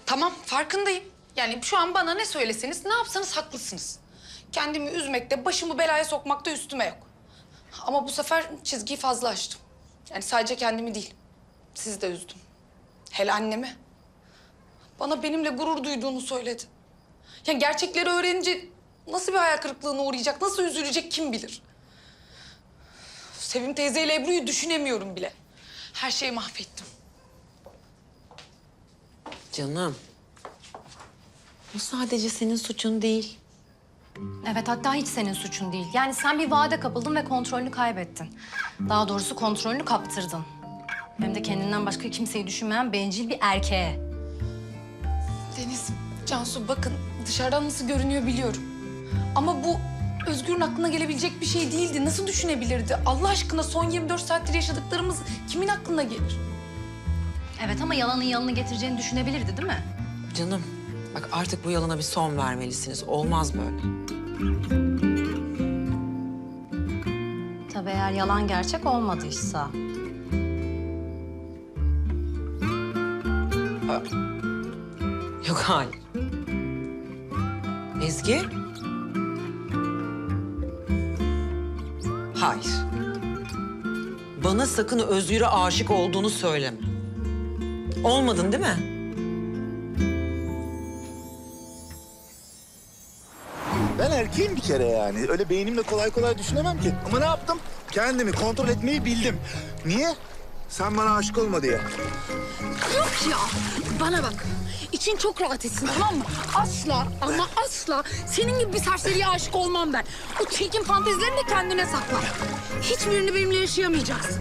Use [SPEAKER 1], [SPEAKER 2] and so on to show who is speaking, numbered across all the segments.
[SPEAKER 1] Tamam, farkındayım. Yani şu an bana ne söyleseniz, ne yapsanız haklısınız. Kendimi üzmekte, başımı belaya sokmakta üstüme yok. Ama bu sefer çizgiyi fazla aştım. Yani sadece kendimi değil, sizi de üzdüm. Hele annemi. Bana benimle gurur duyduğunu söyledi. Yani gerçekleri öğrenince nasıl bir hayal kırıklığına uğrayacak, nasıl üzülecek kim bilir. Sevim teyzeyle Ebru'yu düşünemiyorum bile. Her şeyi mahvettim.
[SPEAKER 2] Canım, bu sadece senin suçun değil.
[SPEAKER 3] Evet, hatta hiç senin suçun değil. Yani sen bir vaade kapıldın ve kontrolünü kaybettin. Daha doğrusu kontrolünü kaptırdın. Hem de kendinden başka kimseyi düşünmeyen bencil bir erkeğe.
[SPEAKER 1] Deniz, Cansu bakın dışarıdan nasıl görünüyor biliyorum. Ama bu Özgür'ün aklına gelebilecek bir şey değildi. Nasıl düşünebilirdi? Allah aşkına son 24 saattir yaşadıklarımız kimin aklına gelir?
[SPEAKER 3] Evet ama yalanın yanını getireceğini düşünebilirdi değil mi?
[SPEAKER 2] Canım, bak artık bu yalana bir son vermelisiniz. Olmaz böyle.
[SPEAKER 3] Tabii eğer yalan gerçek olmadıysa.
[SPEAKER 2] Yok, hayır. Ezgi? Hayır. Bana sakın Özgür'e aşık olduğunu söyleme. Olmadın değil mi?
[SPEAKER 4] Ben erkeğim bir kere yani. Öyle beynimle kolay kolay düşünemem ki. Ama ne yaptım? Kendimi kontrol etmeyi bildim. Niye? Sen bana aşık olma diye.
[SPEAKER 5] Yok ya, bana bak. İçin çok rahat etsin, tamam mı? Asla ama asla senin gibi bir serseriye aşık olmam ben. O çirkin fantezilerini de kendine sakla. Hiçbirini benimle yaşayamayacaksın.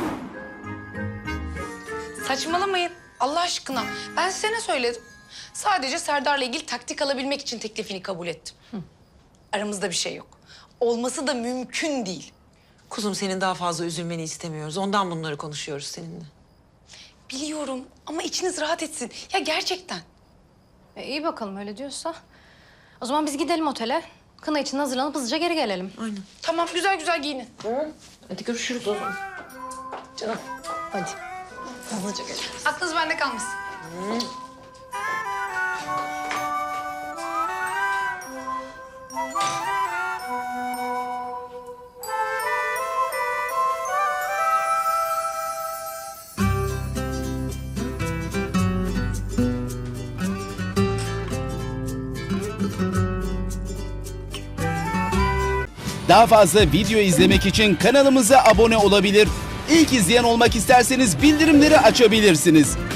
[SPEAKER 1] Saçmalamayın Allah aşkına. Ben size ne söyledim? Sadece Serdar'la ilgili taktik alabilmek için teklifini kabul ettim. Aramızda bir şey yok. Olması da mümkün değil.
[SPEAKER 2] Kuzum, senin daha fazla üzülmeni istemiyoruz. Ondan bunları konuşuyoruz seninle.
[SPEAKER 1] Biliyorum ama içiniz rahat etsin. Ya gerçekten.
[SPEAKER 3] İyi bakalım öyle diyorsa. O zaman biz gidelim otele. Kına için hazırlanıp hızlıca geri gelelim.
[SPEAKER 2] Aynen.
[SPEAKER 1] Tamam güzel güzel giyinin.
[SPEAKER 2] Hadi görüşürüz o zaman.
[SPEAKER 3] Canım hadi.
[SPEAKER 2] Hızlıca gel.
[SPEAKER 1] Aklınız bende kalmasın.
[SPEAKER 6] Daha fazla video izlemek için kanalımıza abone olabilir. İlk izleyen olmak isterseniz bildirimleri açabilirsiniz.